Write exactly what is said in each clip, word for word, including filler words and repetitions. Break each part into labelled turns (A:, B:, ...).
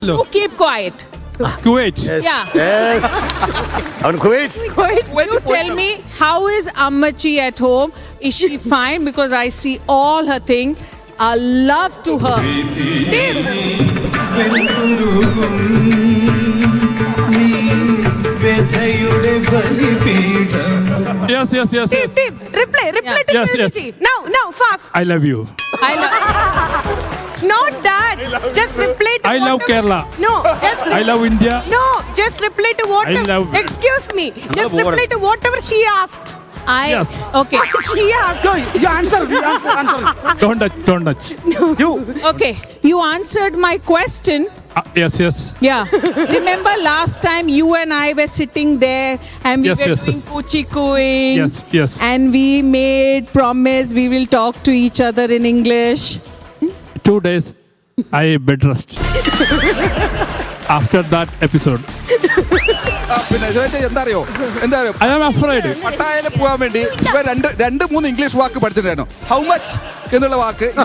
A: Hello.
B: You keep quiet.
A: Kuwait.
C: Yes.
B: Yeah.
C: Yes. അവൻ Kuwait.
B: You tell me, how is Ammachi at home? Is she fine? Because I see all her thing. A love to her.
A: Yes, yes, yes,
D: Team,
A: yes.
D: team, reply, reply
B: Yeah.
D: to
A: Yes, yes.
D: Felicity. Now, now, fast.
A: I love you.
B: I love.
D: Not that. Just reply to
A: I love
D: whatever-
A: Kerala.
D: No, just
A: I love India.
D: No, just reply to whatever.
A: I love-
D: Excuse me. Just reply to whatever she asked.
B: I.
A: Yes.
B: Okay.
D: She asked.
C: No, you answer. You answer. Answer.
A: Don't touch, don't touch.
C: You.
B: Okay. You answered my question.
A: Uh, yes, yes.
B: Yeah. Remember last time you and I were sitting there and we
A: Yes,
B: were
A: yes,
B: doing
A: yes.
B: kuchi cooing.
A: Yes, yes.
B: And we made promise we will talk to each other in English.
A: Two days, I bed rest. After that episode,
E: ആ, പിന്നെ ചോദിച്ചാൽ എന്താ അറിയോ എന്താ അറിയോ
A: I am afraid.
E: പട്ടായയിൽ പോകാൻ വേണ്ടി ഇവ രണ്ട് രണ്ട് മൂന്ന് ഇംഗ്ലീഷ് വാക്ക് പഠിച്ചിട്ടുണ്ടായിരുന്നു. ഹൗ മച്ച് എന്നുള്ള വാക്ക്
B: No,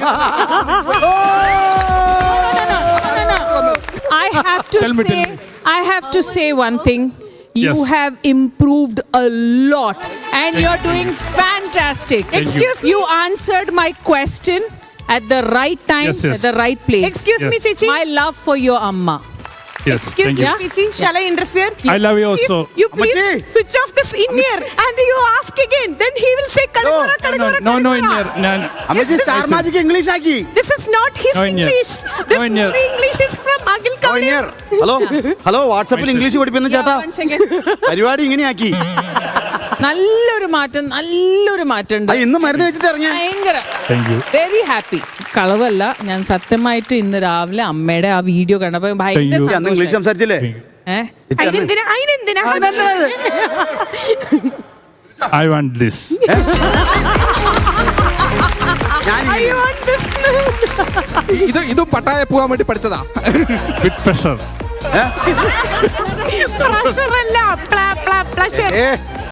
B: no, no. I have to
A: Tell me,
B: say,
A: tell me.
B: I have to say one thing. You
A: Yes.
B: have improved a lot, and you're doing fantastic.
A: Thank you.
B: Excuse you answered my question at the right time,
A: Yes, yes.
B: at the right place.
D: Excuse me,
A: Yes.
D: Chichi.
B: My love for your amma.
A: Yes,
D: Excuse
A: thank
D: me,
A: you.
B: Yeah.
D: Chichi. Shall I interfere?
A: I love you also.
D: If you please
C: Ammachi.
D: switch off this in ear and you ask again. Then he will say Kadagora,
A: No,
D: Kadagora,
A: no, no, in
D: Kadagora."
A: here. No, no.
C: അമ്മച്ചി star magic English ആക്കി.
D: This is not his
A: No, in here.
D: English. This
A: No, in here.
D: English is from Agil
C: oh,
D: Kavli.
C: ഇനിയർ. Hello hello വാട്സാപ്പിൽ English പഠിപ്പിക്കുന്ന
B: Yeah,
C: ചേട്ടാ.
B: one second.
C: പരിപാടി ഇങ്ങനെയാക്കി.
B: നല്ലൊരു മാറ്റം നല്ലൊരു മാറ്റം ഉണ്ട്
C: അത് ഇന്ന് മരുന്ന് വെച്ചിട്ട് ഇറങ്ങിയ.
B: ഭയങ്കര
A: Thank you.
B: Very happy. കളവല്ല, ഞാൻ സത്യമായിട്ട് ഇന്ന് രാവിലെ അമ്മയുടെ ആ വീഡിയോ കണ്ടപ്പോ ഭയങ്കര
A: Thank you.
C: അന്ന് ഇംഗ്ലീഷ്
B: സന്തോഷം.
C: സംസാരിച്ചില്ലേ?
B: ഏ?
C: ചേച്ചി അന്ന്
D: അതിനെന്തിനാ അതിനെന്തിനാ
C: അതിനെന്തിനാ ഇത്?
A: I want this.
C: ഞാൻ
D: I want this.
E: ഇത് ഇതും പട്ടായ പോകാൻ വേണ്ടി പഠിച്ചതാ.
A: With pressure.
D: Pressure അല്ല, pla- pla- pleasure.
C: ഏ